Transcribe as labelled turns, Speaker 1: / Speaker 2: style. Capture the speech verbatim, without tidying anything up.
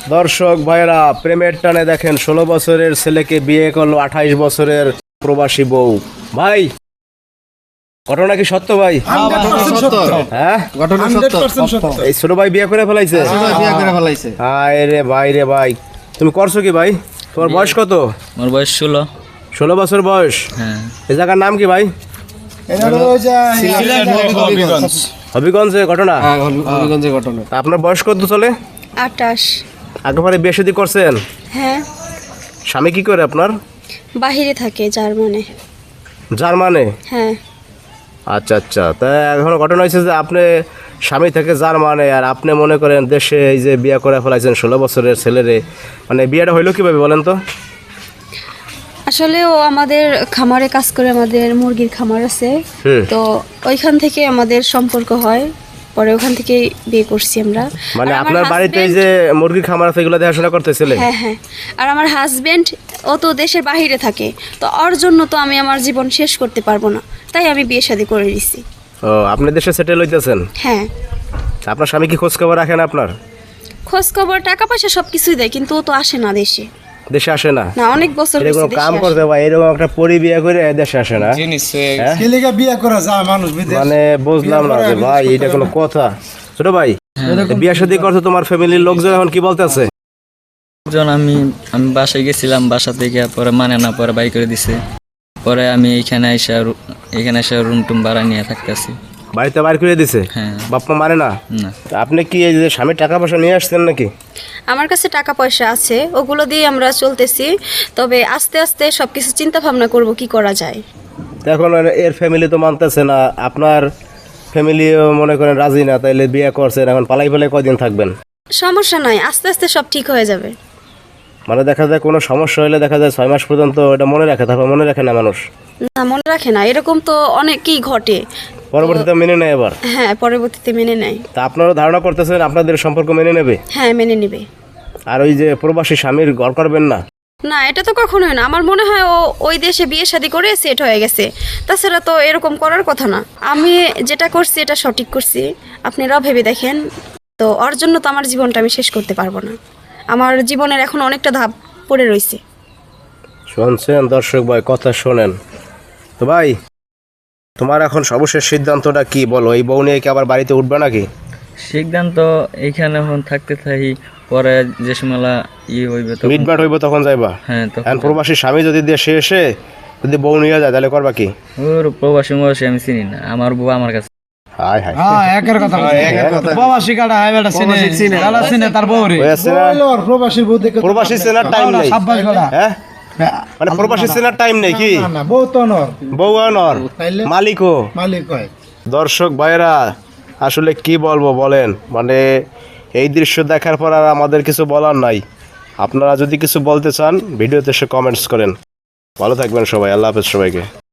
Speaker 1: দর্শক ভাইরা প্রেমের টানে দেখেন ষোলো বছরের ছেলেকে বিয়ে করলো আঠাইশ বছরের প্রবাসী বউ। ভাই ঘটনা কি সত্য ভাই? হ্যাঁ এই ছোট ভাই বিয়ে করে ফেলাইছে? হায় রে ভাই রে ভাই, তুমি করছো কি ভাই? তোমার বয়স কত?
Speaker 2: আমার বয়স ষোলো।
Speaker 1: ষোলো বছর বয়স?
Speaker 2: হ্যাঁ।
Speaker 1: এই জায়গার নাম কি ভাই? হবিগঞ্জে ঘটনা?
Speaker 3: হবিগঞ্জে ঘটনা।
Speaker 1: আপনার বয়স কত চলে?
Speaker 4: আটাশ।
Speaker 1: আগে পরে বিয়ে শাদী করছেন?
Speaker 4: হ্যাঁ,
Speaker 1: স্বামী কি করে আপনার?
Speaker 4: বাহিরে থাকে জার্মানে।
Speaker 1: জার্মানে?
Speaker 4: হ্যাঁ।
Speaker 1: আচ্ছা আচ্ছা, তা এখন ঘটনা হয়েছে যে আপনি স্বামী থেকে জার্মানে আর আপনি মনে করেন দেশে এই যে বিয়ে করে ফেলাইছেন ষোলো বছরের ছেলেরে, মানে বিয়েটা হইলো কিভাবে বলেন তো?
Speaker 4: আসলে ও আমাদের খামারে কাজ করে, আমাদের মুরগির খামার আছে,
Speaker 1: হুম।
Speaker 4: তো ওইখান থেকে আমাদের সম্পর্ক হয়, পরে ওখান থেকে বিয়ে করছি আমরা।
Speaker 1: মানে
Speaker 4: আর আমার
Speaker 1: আপনার বাড়িতে এই
Speaker 4: husband-
Speaker 1: যে মুরগির খামার আছে এগুলো দেখাশোনা করতেছিলেন?
Speaker 4: হ্যাঁ হ্যাঁ, আর আমার হাজবেন্ড ও তো দেশের বাহিরে থাকে, তো ওর জন্য তো আমি আমার জীবন শেষ করতে পারবো না, তাই আমি বিয়ে শাদী করে দিছি।
Speaker 1: ও, আপনি দেশে সেটেল হইতেছেন?
Speaker 4: হ্যাঁ।
Speaker 1: আপনার স্বামী কি খোঁজ খবর রাখেন আপনার?
Speaker 4: খোঁজ খবর টাকা পয়সা সব কিছুই দেয়, কিন্তু ও তো আসে না দেশে।
Speaker 1: দেশে আসে না?
Speaker 4: না, অনেক বছর
Speaker 1: এরকম
Speaker 4: হয়েছে দেশে
Speaker 1: কাম
Speaker 4: আসে।
Speaker 1: করতে ভাই, এরকম একটা পরি বিয়ে করে দেশে আসে না? হ্যাঁ?
Speaker 3: ছেলেকে বিয়ে করা যায় মানুষ বিদেশ।
Speaker 1: মানে বুঝলাম না যে ভাই এটা কোনো কথা। ছোট ভাই বিয়ে শাদী করছো, তোমার ফ্যামিলির লোকজন এখন কি বলতেছে?
Speaker 2: যখন আমি আমি বাসায় গেছিলাম, বাসা থেকে পরে মানে না, পরে বাই করে দিছে। পরে আমি এইখানে এসে রু- এখানে এসে রুম টুম ভাড়া নিয়ে থাকতেছি।
Speaker 1: বাড়িতে বাইর করে দিছে?
Speaker 2: হ্যাঁ।
Speaker 1: বাপ্পা মানে না?
Speaker 2: না,
Speaker 1: তা আপনি কি এই যে স্বামীর টাকা পয়সা নিয়ে আসছেন নাকি?
Speaker 4: আমার কাছে টাকা পয়সা আছে, ওগুলো দিয়ে আমরা চলতেছি, তবে আস্তে আস্তে সব কিছু চিন্তা ভাবনা করব কি করা যায়।
Speaker 1: তো এখন এর ফ্যামিলি তো মানতেছে না, আপনার ফ্যামিলিও মনে করেন রাজি না, তাইলে বিয়ে করছেন, এখন পালাই পালাই কয়দিন থাকবেন?
Speaker 4: সমস্যা নাই, আস্তে আস্তে সব ঠিক হয়ে যাবে।
Speaker 1: মানে দেখা যায় কোনো সমস্যা হলে দেখা যায় ছয় মাস পর্যন্ত এটা মনে রাখে, তারপর মনে রাখে না মানুষ,
Speaker 4: না, মনে রাখে না, এরকম তো অনেকই ঘটে।
Speaker 1: পরবর্তীতে মেনে নেয় এবার।
Speaker 4: হ্যাঁ, পরবর্তীতে মেনে নেয়।
Speaker 1: তা আপনারা ধারণা করতেছেন আপনাদের সম্পর্ক মেনে নেবে?
Speaker 4: হ্যাঁ, মেনে নেবে।
Speaker 1: আর ওই যে প্রবাসী স্বামীর ঘর করবেন না?
Speaker 4: না, এটা তো কখনোই না। আমার মনে হয় ও ওই দেশে বিয়ে শাদী করে সেট হয়ে গেছে, তাছাড়া তো এরকম করার কথা না। আমি যেটা করছি এটা সঠিক করছি, আপনারাও ভেবে দেখেন। তো ওর জন্য তো আমার জীবনটা আমি শেষ করতে পারবো না, আমার জীবনের এখন অনেকটা ধাপ পড়ে রয়েছে।
Speaker 1: শুনছেন দর্শক ভাই, কথা শোনেন তো ভাই, তোমার এখন সর্বশেষ সিদ্ধান্তটা কি বলো? এই বউ নিয়ে কি আবার বাড়িতে উঠবে নাকি?
Speaker 2: সিদ্ধান্ত এইখানে এখন থাকতে থাকি, পরে যে সময় ই হইবে তো।
Speaker 1: মিটমাট হইব তখন যাইবা?
Speaker 2: হ্যাঁ, তো
Speaker 1: এখন প্রবাসী স্বামী যদি দেশে এসে যদি বউ নিয়ে যায় তাহলে করবা কি?
Speaker 2: ওর প্রবাসী মবাসী আমি চিনি না, আমার বউ আমার কাছে।
Speaker 1: হাই হাই,
Speaker 3: হ্যাঁ, একের কথা বলছি। প্রবাসী কাটা হয় বেটা চিনে, গালা চিনে তার বউরে।
Speaker 1: হয়েছে না?
Speaker 3: প্রবাসী বউ দেখে
Speaker 1: প্রবাসী চেনার টাইম নেই।
Speaker 3: সাব্বাস বেটা।
Speaker 1: হ্যাঁ, মানে প্রবাসী চেনার টাইম নেই কি?
Speaker 3: না না, বউ তো নর,
Speaker 1: বউ নর,
Speaker 3: তাইলে?
Speaker 1: মালিকও।
Speaker 3: মালিক হয়।
Speaker 1: দর্শক ভাইরা আসলে কি বলবো বলেন, মানে এই দৃশ্য দেখার পর আর আমাদের কিছু বলার নাই। আপনারা যদি কিছু বলতে চান ভিডিওতে এসে কমেন্টস করেন। ভালো থাকবেন সবাই, আল্লাহ হাফেজ সবাইকে।